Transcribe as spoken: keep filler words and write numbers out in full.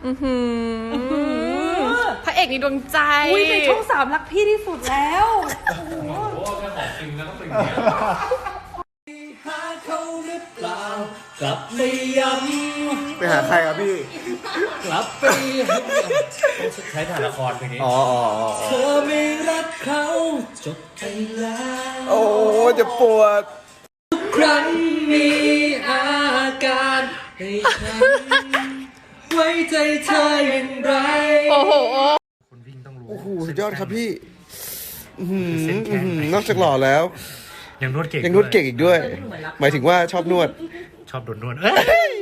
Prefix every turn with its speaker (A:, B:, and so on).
A: อือหือพระเอกในดวงใจ
B: อุ้ยในช่องสามรักพี่ที่สุดแล้ว
C: โอ้โหแค่ของจริงนะต้องเป็นอย่างนี้
D: หาเขาหรือเปล่ากลับไม่ย้ำ
E: ไปหาใครครับพี่
D: กลับไปใช้ถ่ายละครเพลงนี้
E: อ๋ออ๋อ
D: เธอไม่รักเขาจบไปแล้ว
E: โอ้จะปวด
D: ทุกครั้งมีอาการให้ฉันไว้ใจเธออย่างไร
A: โอ้โห
C: คนวิ่งต้องรู้
E: โอ้โหสุดยอดครับพี่นอกจากหล่อแล้ว
C: ยังนวดเก่ง
E: ยังนวดเก่งอีกด้วยหมายถึงว่าชอบนวด
C: ชอบโดนนวดเอ้ย